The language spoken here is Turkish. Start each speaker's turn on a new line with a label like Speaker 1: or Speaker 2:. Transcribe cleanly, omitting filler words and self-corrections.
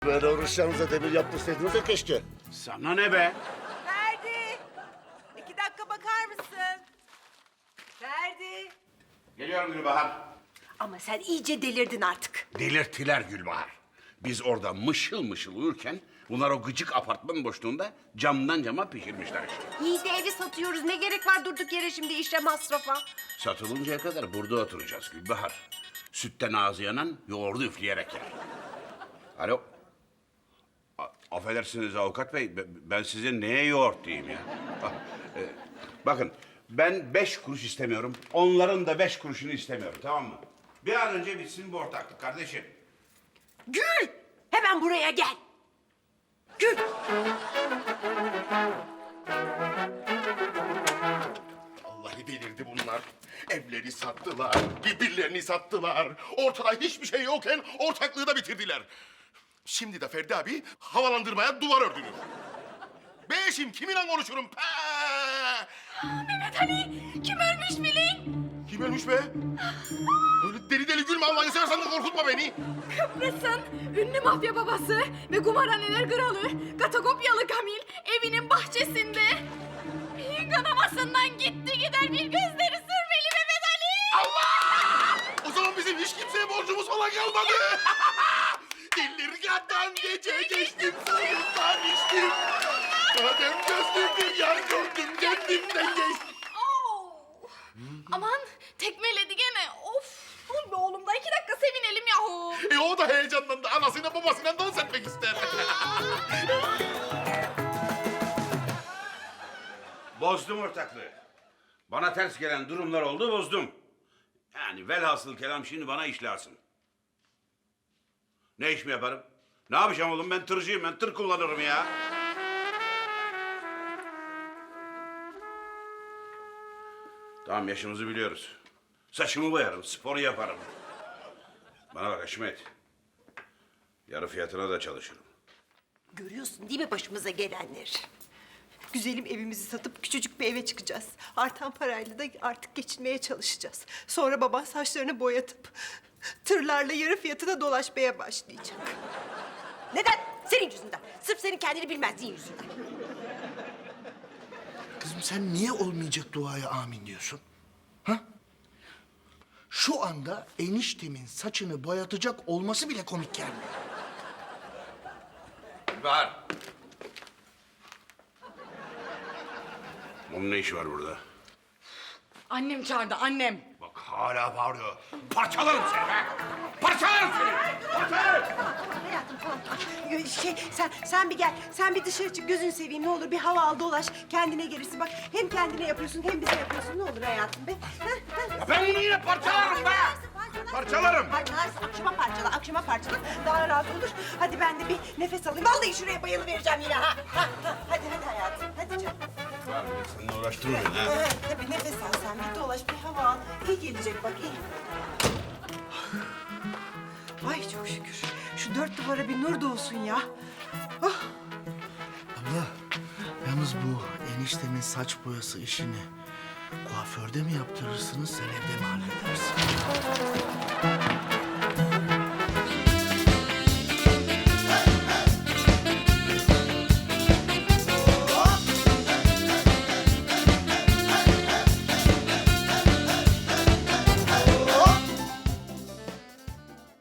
Speaker 1: Böyle oruçlarınıza demir yaptırsaydınız da keşke.
Speaker 2: Sana ne be?
Speaker 3: Ferdi! 2 dakika bakar mısın? Ferdi!
Speaker 2: Geliyorum Gülbahar.
Speaker 3: Ama sen iyice delirdin artık.
Speaker 2: Delirttiler Gülbahar. Biz orada mışıl mışıl uyurken bunlar o gıcık apartman boşluğunda camdan cama pişirmişler işte.
Speaker 3: İyi de evi satıyoruz. Ne gerek var durduk yere şimdi işe masrafa?
Speaker 2: Satılıncaya kadar burada oturacağız Gülbahar. Sütten ağzı yanan yoğurdu üfleyerek yer. Alo. Affedersiniz avukat bey, ben size neye yoğurt diyeyim ya? Bakın, ben 5 kuruş istemiyorum, onların da 5 kuruşunu istemiyorum, tamam mı? Bir an önce bitsin bu ortaklık kardeşim.
Speaker 3: Gül! Hemen buraya gel. Gül!
Speaker 1: Vallahi delirdi bunlar. Evleri sattılar, birbirlerini sattılar. Ortada hiçbir şey yokken ortaklığı da bitirdiler. Şimdi de Ferdi abi havalandırmaya duvar ördünüz. Beşim kiminle konuşurum?
Speaker 4: Mehmet Ali, kim ölmüş bilin?
Speaker 1: Kim ölmüş be? Böyle deli deli gülme Allah'ını seversen de korkutma beni.
Speaker 4: Kıbrıs'ın ünlü mafya babası ve kumarhaneler kralı Katagopyalı Kamil evinin bahçesinde beyin kanamasından gitti gider bir gözleri sürmeli Mehmet Ali.
Speaker 1: Allah! O zaman bizim hiç kimseye borcumuz falan kalmadı. Delirgandan gece geçtim, soyundan içtim. Madem gözlüm bir yer gördüm, kendimden geçtim.
Speaker 4: Aman tekmeledi gene. Of. Dur be oğlum da 2 dakika sevinelim yahu.
Speaker 1: O da heyecanlandı, anasıyla babasıyla dans etmek ister.
Speaker 2: Bozdum ortaklığı. Bana ters gelen durumlar oldu, bozdum. Yani velhasıl kelam şimdi bana iş lazım. Ne iş mi yaparım? Ne yapacağım oğlum? Ben tırcıyım, ben tır kullanırım ya. Tamam, yaşımızı biliyoruz. Saçımı boyarım, spor yaparım. Bana bak Haşmet. Yarı fiyatına da çalışırım.
Speaker 3: Görüyorsun değil mi başımıza gelenleri? Güzelim evimizi satıp küçücük bir eve çıkacağız. Artan parayla da artık geçinmeye çalışacağız. Sonra baban saçlarını boyatıp tırlarla yarı fiyatına dolaşmaya başlayacak. Neden? Senin yüzünden. Sırf senin kendini bilmezliğin yüzünden.
Speaker 5: Kızım sen niye olmayacak duaya amin diyorsun? Ha? Şu anda eniştemin saçını boyatacak olması bile komik gelmiyor.
Speaker 2: Var. Onun ne işi var burada?
Speaker 4: Annem çağırdı annem.
Speaker 2: Bak hala bağırıyor. Parçalarım seni be! Parçalarım seni! Parçalarım!
Speaker 3: Hayatım tamam. Sen bir gel. Sen bir dışarı çık. Gözünü seveyim ne olur. Bir hava al dolaş. Kendine gelirsin. Bak hem kendine yapıyorsun hem bize yapıyorsun. Ne olur hayatım be.
Speaker 2: Ya ben bunu yine parçalarım be! Parçalarım!
Speaker 3: Parçalarsın. Akşama parçala. Daha rahat olur. Hadi ben de bir nefes alayım. Vallahi şuraya bayılıvereceğim yine ha. Hadi hayatım. Hadi canım.
Speaker 2: Var bir de seninle uğraştırmayın ha.
Speaker 3: Tabii nefes al sen. Bir dolaş bir hava al. İyi gelecek bak iyi. Ay çok şükür. Şu 4 duvara bir nur doğsun ya. Oh.
Speaker 5: Abla, yalnız bu eniştemin saç boyası işini kuaförde mi yaptırırsınız, sen evde mi halledersin?